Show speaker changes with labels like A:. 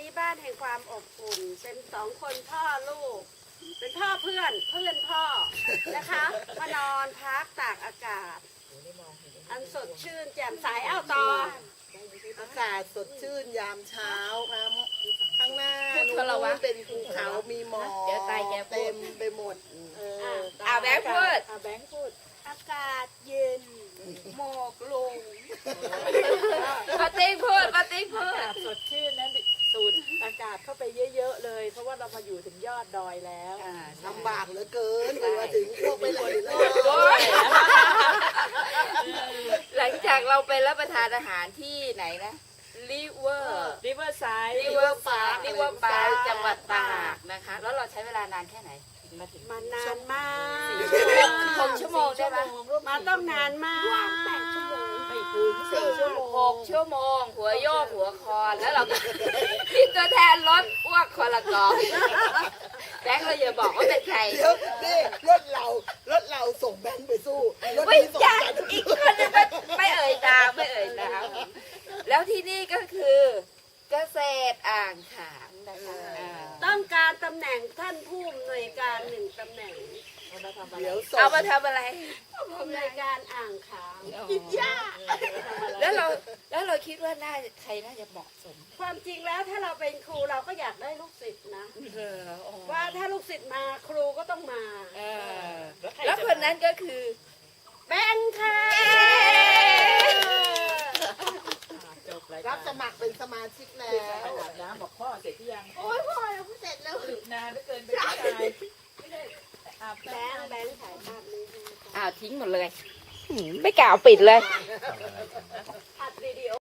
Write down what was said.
A: นี้บ้านแห่งความอบอุ่นเป็นสองคนพ่อลูก เป็นพ่อเพื่อนพ่อนะคะมานอนพักตากอากาศ อันสดชื่นแจ่มใสเอ้าต่อ
B: อากาศสดชื่นยามเช้าครับข้างหน้า
C: พูด
B: นู้
C: คนละวะ
B: นเป็นภูเขามีหมอก
C: เดี๋ยวตายแกพู
B: เต็
C: ด
B: มไปหมด
C: แบงค์พูด
A: แบงค์พูด อากาศเย็นหมอกลง
C: ปาติ้งพูดปาติ้งพูด
D: อากาศสดชื่นนะสูดอากาศเข้าไปเยอะๆเลย เพราะว่าเรามาอยู่ถึงยอดดอยแล้ว
B: ลำบากเหลือเกินกว่าถึงพวกไปไหนเลย
C: โอ้ยหลังจากเราไปรับประทานอาหารที่ไหนนะริเวอร์
D: ริเวอร์ไซด์
C: ริเวอร์ปาร์คจังหวัดตากนะคะ แล้วเราใช้เวลานานแค่ไหนถึงมาถึง
A: มานานมาก
C: 6 ชั่วโมงได้ไหม
A: มาต้องนานมาก
D: ไม่ถึง4 ชั่วโมง
C: 6 ชั่วโมง หัวโยกหัวคอนแล้วเราก็มีตัวแทนรถอ้วกคนละกองแบงค์เราอย่าบอกว่าเป็นใคร
B: เดี๋ยวนี่รถเราส่งแบงค์ไปสู้รถ
C: ไม่
B: นี้ส่ง
C: ใช่
B: กัน
C: อีกคนนึงไม่เอ่ยตามไม่เอ่ยตามแล้วที่นี่ก็คือเกษตรอ่างขางนะคะา
A: ต้องการตำแหน่งท่านผู้อำนวยการหนึ่งตำแหน่ง
B: เดี๋ยวส่ง
C: เอามาทำอะไร
A: ผู้อำนวยการอ่างขาง
C: กินหญ้าแล้วเราคิดว่าใครน่าจะเหมาะสม
A: ความจริงแล้วถ้าเราเป็นครูเราก็อยากได้ลูกศิษย์นะ ว่าถ้าลูกศิษย์มาครูก็ต้องมา
C: แล้วคนนั้นก็คือ
A: แบงค์ค่ะ
D: จบราย
B: รั
D: กา
B: บสมัครเป็นสมาชิกแล้ว
D: อาบน้ำบอกพ่อเสร็จหรือยัง
B: โอ้ยพ่อเราเสร็จแล้ว
D: หยุดนานเหลือเกินเป็นผู้ชายไม่ได้อาบ
A: แบ
D: น้ำ
A: งค์ถ่ายภาพนี้ให้ค่ะ
C: อ้าวทิ้งหมดเลย ไม่กล่าวปิดเลย
A: อัดวิดีโอ